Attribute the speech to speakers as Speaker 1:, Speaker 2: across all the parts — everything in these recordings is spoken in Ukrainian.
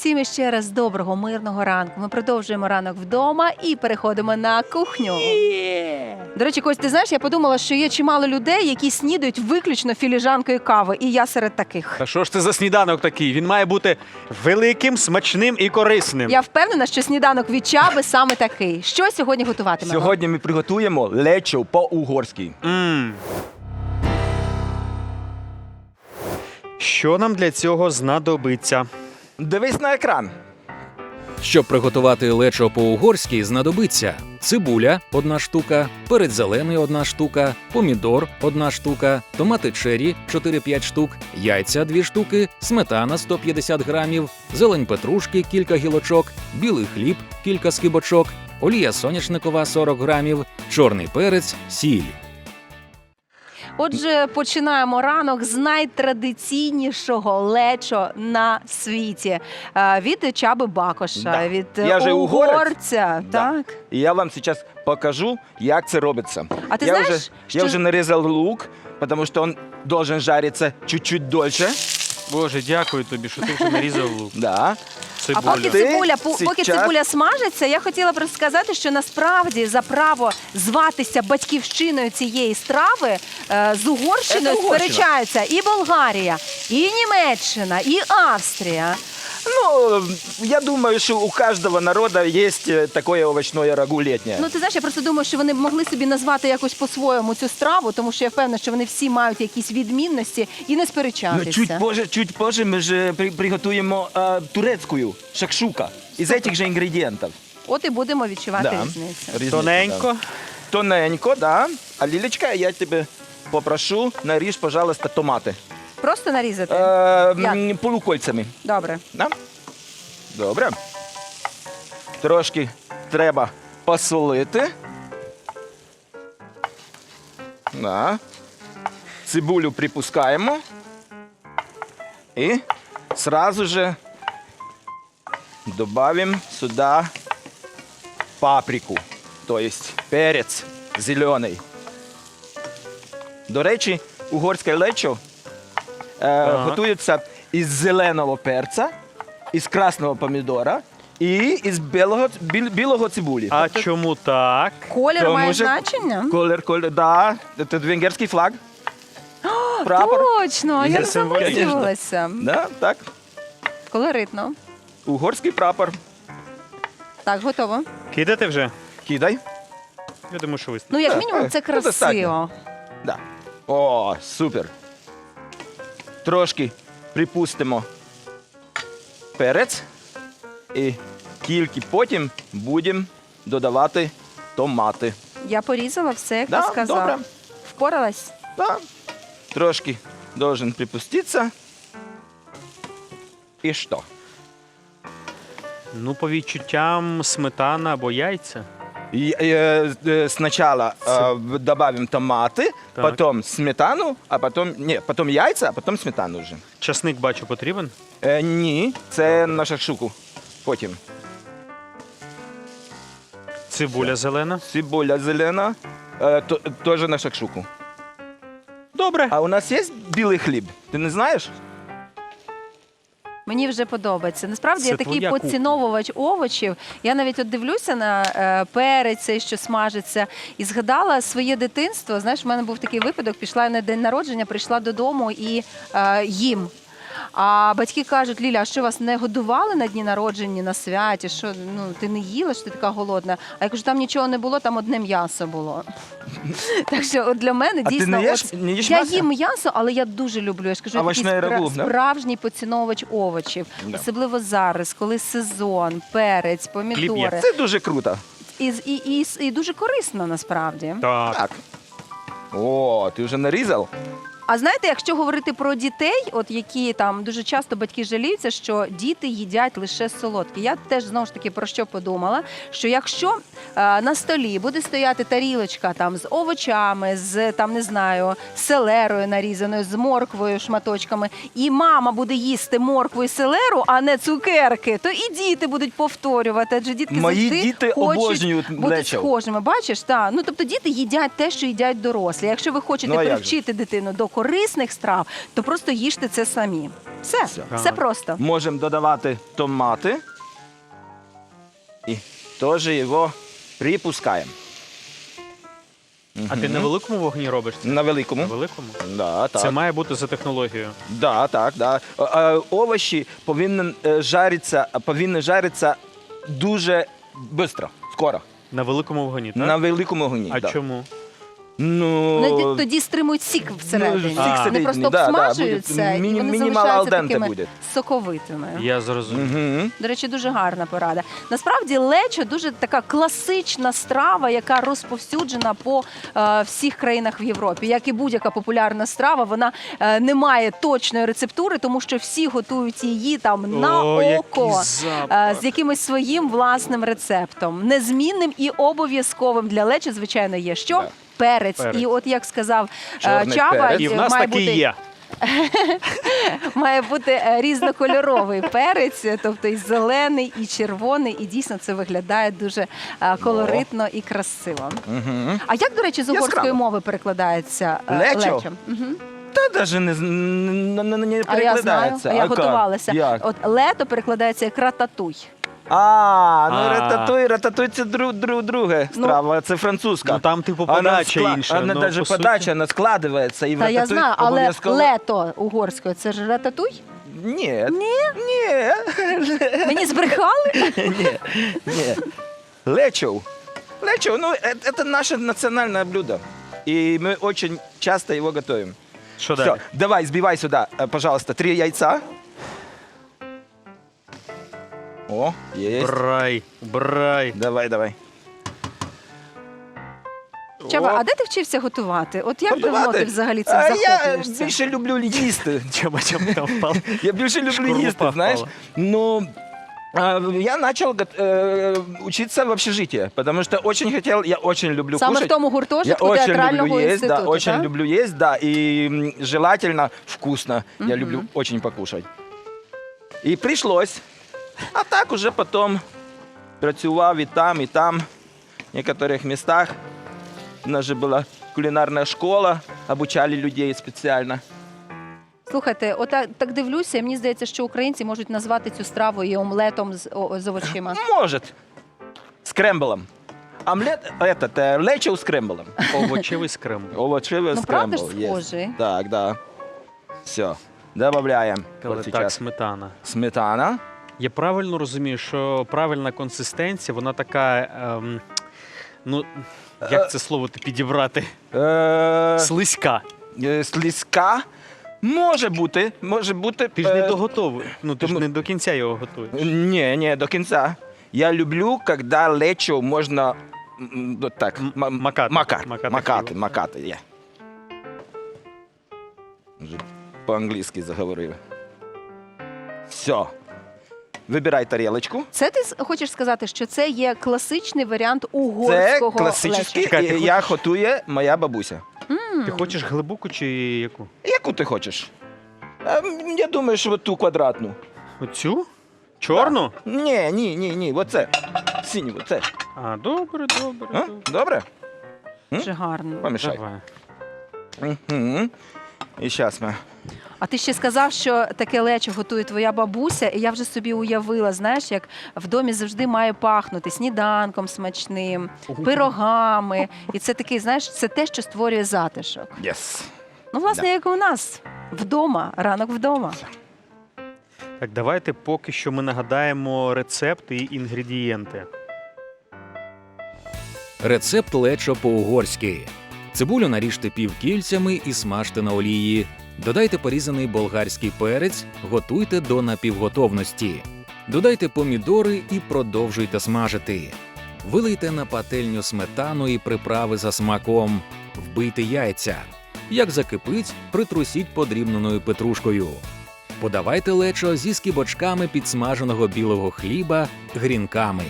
Speaker 1: Всім іще раз доброго, мирного ранку. Ми продовжуємо ранок вдома і переходимо на кухню. До речі, Кость, ти знаєш, я подумала, що є чимало людей, які снідають виключно філіжанкою кави, і я серед таких.
Speaker 2: Та що ж це за сніданок такий? Він має бути великим, смачним і корисним.
Speaker 1: Я впевнена, що сніданок від Чаби саме такий. Що сьогодні готуватимемо?
Speaker 3: Сьогодні ми приготуємо лечо по-угорськи.
Speaker 2: Що нам для цього знадобиться?
Speaker 3: Дивись на екран.
Speaker 4: Щоб приготувати лечо по-угорськи, знадобиться цибуля – 1 штука, перець зелений – 1 штука, помідор – 1 штука, томати черрі – 4-5 штук, яйця – 2 штуки, сметана – 150 грамів, зелень петрушки – кілька гілочок, білий хліб – кілька скибочок, олія соняшникова – 40 грамів, чорний перець, сіль.
Speaker 1: Отже, починаємо ранок з найтрадиційнішого лечо на світі. Від Чаби Бакоша,
Speaker 3: Да.
Speaker 1: від
Speaker 3: Я же угорець.
Speaker 1: угорця.
Speaker 3: Да.
Speaker 1: Так.
Speaker 3: І я вам зараз покажу, як це робиться.
Speaker 1: А ти
Speaker 3: я
Speaker 1: знаєш,
Speaker 3: вже,
Speaker 1: що...
Speaker 3: я вже нарізав лук, тому що він должен жаритися чуть-чуть дольше.
Speaker 2: Боже, дякую тобі, що ти вже нарізав лук.
Speaker 3: Да.
Speaker 1: А поки
Speaker 3: Ти
Speaker 1: поки
Speaker 3: сейчас-
Speaker 1: цибуля смажиться, я хотіла просто сказати, що насправді за право зватися батьківщиною цієї страви з Угорщиною
Speaker 3: Це Угорщина.
Speaker 1: сперечаються і Болгарія, і Німеччина, і Австрія.
Speaker 3: Ну, я думаю, що у кожного народу є таке овочне рагу літнє.
Speaker 1: Ну, ти знаєш, я просто думаю, що вони б могли собі назвати якось по-своєму цю страву, тому що я впевнена, що вони всі мають якісь відмінності і не сперечатися.
Speaker 3: Чуть позже ми ж приготуємо турецьку шакшука із цих же інгредієнтів.
Speaker 1: От і будемо відчувати різницю.
Speaker 2: Тоненько.
Speaker 3: Тоненько, да. А Лілечка, я тебе попрошу, наріж, пожалуйста, томати.
Speaker 1: Просто нарізати?
Speaker 3: Полукольцями.
Speaker 1: Добре.
Speaker 3: Да? Добре. Трошки треба посолити. Да. Цибулю припускаємо. І сразу же добавим сюди паприку, то есть перець зелений. До речі, угорське лечо готується із зеленого перця, із красного помідора і із білого цибулі.
Speaker 2: А чому так?
Speaker 1: Колір
Speaker 3: Тому
Speaker 1: має
Speaker 3: що
Speaker 1: значення?
Speaker 3: Колір, да. Це венгерський флаг. Прапор.
Speaker 1: Точно, я
Speaker 2: Це символічно.
Speaker 1: замислилася.
Speaker 3: Да, так.
Speaker 1: Колоритно.
Speaker 3: Угорський прапор.
Speaker 1: Так, готово.
Speaker 2: Кидати вже?
Speaker 3: Кидай.
Speaker 2: Я думаю, що вистачить.
Speaker 1: Ну, як мінімум, це
Speaker 3: Ну,
Speaker 1: красиво.
Speaker 3: достатньо. Да. О, супер. Трошки припустимо перець і тільки потім будемо додавати томати.
Speaker 1: Я порізала все, як
Speaker 3: Да,
Speaker 1: ти сказав.
Speaker 3: добре.
Speaker 1: Впоралась?
Speaker 3: Да. Трошки должен припуститися. І що?
Speaker 2: Ну, по відчуттям сметана або яйця.
Speaker 3: Сначала добавим томаты,
Speaker 2: Так.
Speaker 3: потом сметану, а потом... Не, потом яйца, а потом сметану вже.
Speaker 2: Часник, бачу, потрібен.
Speaker 3: Ні, це на шакшуку. Потім.
Speaker 2: Цибуля зелена.
Speaker 3: Цибуля зелена, теж на шакшуку.
Speaker 2: Добре.
Speaker 3: А у нас є білий хліб? Ти не знаєш?
Speaker 1: Мені вже подобається. Насправді
Speaker 2: Це
Speaker 1: я такий
Speaker 2: твоя
Speaker 1: поціновувач овочів. Я навіть от дивлюся на перець, цей, що смажиться, і згадала своє дитинство. Знаєш, в мене був такий випадок, пішла на день народження, прийшла додому і їм. А батьки кажуть: Ліля, а що вас не годували на дні народження, на святі? Що, ну, ти не їла, що ти така голодна? А я кажу, там нічого не було, там одне м'ясо було. Так що от для мене
Speaker 3: А ти
Speaker 1: дійсно...
Speaker 3: не їш
Speaker 1: Я
Speaker 3: м'ясо?
Speaker 1: їм м'ясо, але я дуже люблю. Я ж кажу, я такий
Speaker 3: Овочне рагу, да?
Speaker 1: справжній поціновувач овочів.
Speaker 3: Да.
Speaker 1: Особливо зараз, коли сезон, перець, помідори.
Speaker 3: Це дуже круто.
Speaker 1: І дуже корисно насправді.
Speaker 2: Так.
Speaker 3: Так. О, ти вже нарізав?
Speaker 1: А знаєте, якщо говорити про дітей, от які там дуже часто батьки жаліються, що діти їдять лише солодкі. Я теж знову ж таки про що подумала, що якщо на столі буде стояти тарілочка там з овочами, з там не знаю, селерою нарізаною, з морквою шматочками, і мама буде їсти моркву і селеру, а не цукерки, то і діти будуть повторювати. Адже дітки
Speaker 3: Мої
Speaker 1: завжди
Speaker 3: діти
Speaker 1: хочуть
Speaker 3: обожнюють
Speaker 1: бути
Speaker 3: лечо.
Speaker 1: схожими. Бачиш, так. Ну тобто діти їдять те, що їдять дорослі. Якщо ви хочете
Speaker 3: Ну, а як же?
Speaker 1: привчити дитину до корисних страв, то просто їжте це самі. Все,
Speaker 3: Все.
Speaker 1: все просто.
Speaker 3: Можемо додавати томати. І теж його припускаємо.
Speaker 2: А ти на великому вогні робиш це?
Speaker 3: На великому.
Speaker 2: На великому?
Speaker 3: Да, так.
Speaker 2: Це має бути за технологією.
Speaker 3: Да, так, да. Овочі повинні жаритися дуже швидко, скоро.
Speaker 2: На великому вогні, так?
Speaker 3: На великому вогні.
Speaker 2: А
Speaker 3: да.
Speaker 2: чому?
Speaker 3: Ну,
Speaker 1: Тоді стримують сік всередині.
Speaker 3: сік
Speaker 1: Вони
Speaker 3: всередині,
Speaker 1: просто
Speaker 3: да,
Speaker 1: обсмажуються
Speaker 3: да,
Speaker 1: і
Speaker 3: буде
Speaker 1: вони
Speaker 3: мінімал
Speaker 1: залишаються
Speaker 3: алденте
Speaker 1: такими
Speaker 3: буде.
Speaker 1: соковитими.
Speaker 2: Я зрозумів.
Speaker 3: Угу.
Speaker 1: До речі, дуже гарна порада. Насправді лечо дуже така класична страва, яка розповсюджена по всіх країнах в Європі. Як і будь-яка популярна страва, вона не має точної рецептури, тому що всі готують її там на
Speaker 2: О,
Speaker 1: око,
Speaker 2: який запах.
Speaker 1: з якимось своїм власним рецептом. Незмінним і обов'язковим для лечо, звичайно, є що?
Speaker 3: Да.
Speaker 1: Перець.
Speaker 2: Перець.
Speaker 1: І от як сказав
Speaker 3: Чорний
Speaker 1: Чаба,
Speaker 3: перець.
Speaker 2: І в нас
Speaker 1: має
Speaker 2: такий
Speaker 1: бути
Speaker 2: є.
Speaker 1: має бути різнокольоровий перець, тобто і зелений, і червоний, і дійсно це виглядає дуже колоритно і красиво.
Speaker 3: Угу.
Speaker 1: А як, до речі, з угорської
Speaker 3: Яскраво.
Speaker 1: мови перекладається
Speaker 3: Лечо?
Speaker 1: Мгм.
Speaker 3: Та навіть не
Speaker 1: А я знаю,
Speaker 3: перекладається.
Speaker 1: а я
Speaker 3: як?
Speaker 1: готувалася.
Speaker 3: Як?
Speaker 1: От лето перекладається як рататуй.
Speaker 3: Рататуй це друга страва, це французька.
Speaker 2: Ну там типу подача інша.
Speaker 3: Вона
Speaker 2: ну,
Speaker 3: навіть
Speaker 2: по суті.
Speaker 3: подача, вона складається. І в
Speaker 1: Та я
Speaker 3: рататуй
Speaker 1: знаю, але
Speaker 3: обов'язково-
Speaker 1: лето угорською це ж рататуй?
Speaker 3: Ні.
Speaker 1: Ні?
Speaker 3: Ні.
Speaker 1: Мені збрехали?
Speaker 3: Ні. Лечо. Лечо, ну, это наше национальное блюдо. И мы очень часто его готовим.
Speaker 2: Що
Speaker 3: Все,
Speaker 2: далі?
Speaker 3: давай, сбивай сюда, пожалуйста, 3 яйца. О, есть.
Speaker 2: Брай.
Speaker 3: Давай.
Speaker 1: Чаба,
Speaker 3: О,
Speaker 1: а де ти вчився готувати? От як давно
Speaker 3: готувати?
Speaker 1: ти взагалі цим
Speaker 3: А я
Speaker 1: захоплюєшся?
Speaker 3: більше люблю їсти.
Speaker 2: Чому там впав?
Speaker 3: Я більше люблю
Speaker 2: Шкурупа
Speaker 3: їсти, знаєш.
Speaker 2: впала.
Speaker 3: Ну, я начал учиться в общежитии, потому что я очень люблю
Speaker 1: Саме
Speaker 3: кушать.
Speaker 1: в тому
Speaker 3: Я
Speaker 1: гуртожитку
Speaker 3: очень
Speaker 1: театрального
Speaker 3: люблю есть,
Speaker 1: інституту,
Speaker 3: да, очень
Speaker 1: так?
Speaker 3: люблю есть, да, и желательно вкусно. Я люблю очень покушать. И пришлось. А так уже потом працював і там, в некоторых местах. У нас же была кулинарная школа, обучали людей специально.
Speaker 1: Слухайте, так дивлюся, і мені здається, що українці можуть назвати цю страву і омлетом з овочима.
Speaker 3: Может, с кремблом. Омлет, лечо с кремблом.
Speaker 2: Овочевий скрембл.
Speaker 3: Овощевый
Speaker 1: Ну,
Speaker 3: скрембл.
Speaker 1: правда ж
Speaker 3: есть.
Speaker 1: схожий?
Speaker 3: Так, да. Все. Добавляем.
Speaker 2: Але
Speaker 3: Вот
Speaker 2: так,
Speaker 3: сейчас
Speaker 2: сметана.
Speaker 3: сметана.
Speaker 2: Я правильно розумію, що правильна консистенція, вона така, ну, як це слово підібрати? Слизька.
Speaker 3: Слизька. Може бути.
Speaker 2: Ти ж не доготовий, ну ти ж не до кінця його готуєш.
Speaker 3: Не, до кінця. Я люблю, коли лечо можна вот так
Speaker 2: Макати
Speaker 3: макати. Є. Вже по-англійськи заговорив. Все. Вибирай тарілочку.
Speaker 1: Це ти хочеш сказати, що це є класичний варіант
Speaker 3: Це
Speaker 1: угорського
Speaker 3: класичний,
Speaker 1: лечо?
Speaker 2: Чекай, ти
Speaker 3: я готує моя бабуся.
Speaker 2: Ти хочеш глибоку чи яку?
Speaker 3: Яку ти хочеш? Я думаю, що ту квадратну.
Speaker 2: Оцю? Чорну?
Speaker 3: Ні, оце. Синю, оце.
Speaker 2: А, добре.
Speaker 3: А? Добре?
Speaker 1: Дуже гарно.
Speaker 3: Помішай.
Speaker 2: Давай.
Speaker 3: Угу. І зараз ми.
Speaker 1: А ти ще сказав, що таке лечо готує твоя бабуся, і я вже собі уявила, знаєш, як в домі завжди має пахнути сніданком смачним, пирогами. І це такий, знаєш, це те, що створює затишок.
Speaker 3: Yes.
Speaker 1: Ну, власне, як у нас вдома, ранок вдома.
Speaker 2: Так, давайте поки що ми нагадаємо рецепт і інгредієнти.
Speaker 4: Рецепт лечо по-угорськи. Цибулю наріжте півкільцями і смажте на олії. Додайте порізаний болгарський перець, готуйте до напівготовності. Додайте помідори і продовжуйте смажити. Вилийте на пательню сметану і приправи за смаком. Вбийте яйця. Як закипить, притрусіть подрібненою петрушкою. Подавайте лечо зі скибочками підсмаженого білого хліба, грінками.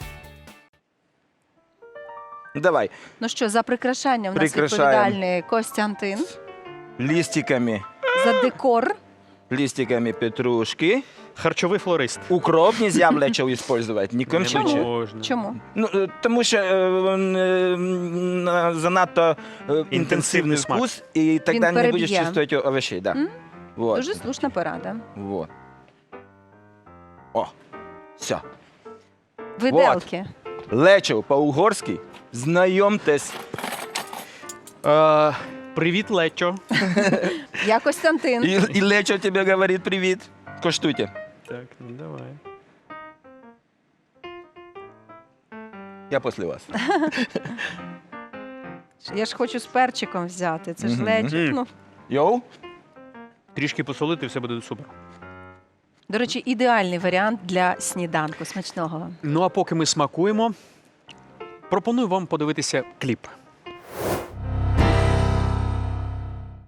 Speaker 3: Давай.
Speaker 1: Ну що, за прикрашання в нас
Speaker 3: Прикрашаємо.
Speaker 1: відповідальний Костянтин.
Speaker 3: Листиками.
Speaker 1: За декор
Speaker 3: листиками петрушки.
Speaker 2: Харчовий флорист.
Speaker 3: Укроп нельзя в лечо использовать, ни в коем
Speaker 2: Не
Speaker 3: случае.
Speaker 2: можна.
Speaker 1: Чому?
Speaker 3: Ну, тому що занадто інтенсивний
Speaker 2: смак.
Speaker 3: вкус, і тоді не
Speaker 1: переб'є.
Speaker 3: будеш чувствувати овощей. Да. Вот.
Speaker 1: Дуже слушна порада.
Speaker 3: Вот. О, все.
Speaker 1: Виделки.
Speaker 3: Лечо по-угорськи. Знайомтесь.
Speaker 2: Привіт, Лечо.
Speaker 1: Я Костянтин.
Speaker 3: І Лечо тебе говорить привіт. Коштуйте.
Speaker 2: Так, ну давай.
Speaker 3: Я після вас.
Speaker 1: Я ж хочу з перчиком взяти. Це ж
Speaker 3: Мгм.
Speaker 1: лечик. Ну,
Speaker 3: Йоу.
Speaker 2: Трішки посолити, все буде супер.
Speaker 1: до речі, ідеальний варіант для сніданку. Смачного вам.
Speaker 2: Ну а поки ми смакуємо, пропоную вам подивитися кліп.